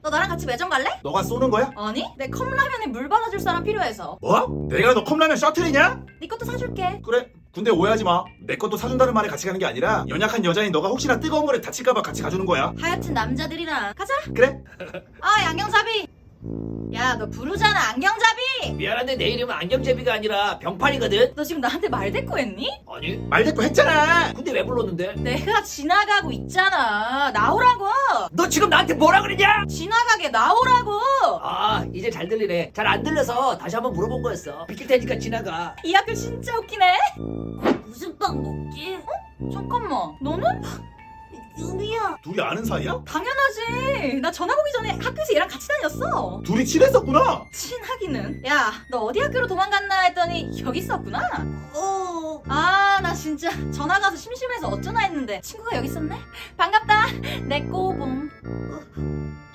너 나랑 같이 매점 갈래? 너가 쏘는 거야? 아니, 내 컵라면에 물 받아줄 사람 필요해서. 뭐? 내가 너 컵라면 셔틀이냐? 네 것도 사줄게. 그래. 근데 오해하지 마. 내 것도 사준다는 말에 같이 가는 게 아니라 연약한 여자인 너가 혹시나 뜨거운 물에 다칠까봐 같이 가주는 거야. 하여튼 남자들이랑 가자. 그래? 아, 안경잡이. 야, 너 부르잖아, 안경잡이. 미안한데 내 이름은 안경제비가 아니라 병팔이거든. 너 지금 나한테 말대꾸했니? 아니 말대꾸 했잖아. 근데 왜 불렀는데? 내가 지나가고 있잖아. 나오라고. 너 지금 나한테 뭐라 그러냐? 지나가게 나오라고. 아 이제 잘 들리네. 잘 안 들려서 다시 한번 물어본 거였어. 비킬 테니까 지나가. 이 학교 진짜 웃기네. 무슨 빵 먹지? 잠깐만, 너는? 유미야. 둘이 아는 사이야? 당연하지. 나 전학 오기 전에 학교에서 얘랑 같이 다녔어. 둘이 친했었구나. 친하기는. 야, 너 어디 학교로 도망갔나 했더니 여기 있었구나. 아, 나 진짜 전학 가서 심심해서 어쩌나 했는데 친구가 여기 있었네. 반갑다. 내 꼬봉.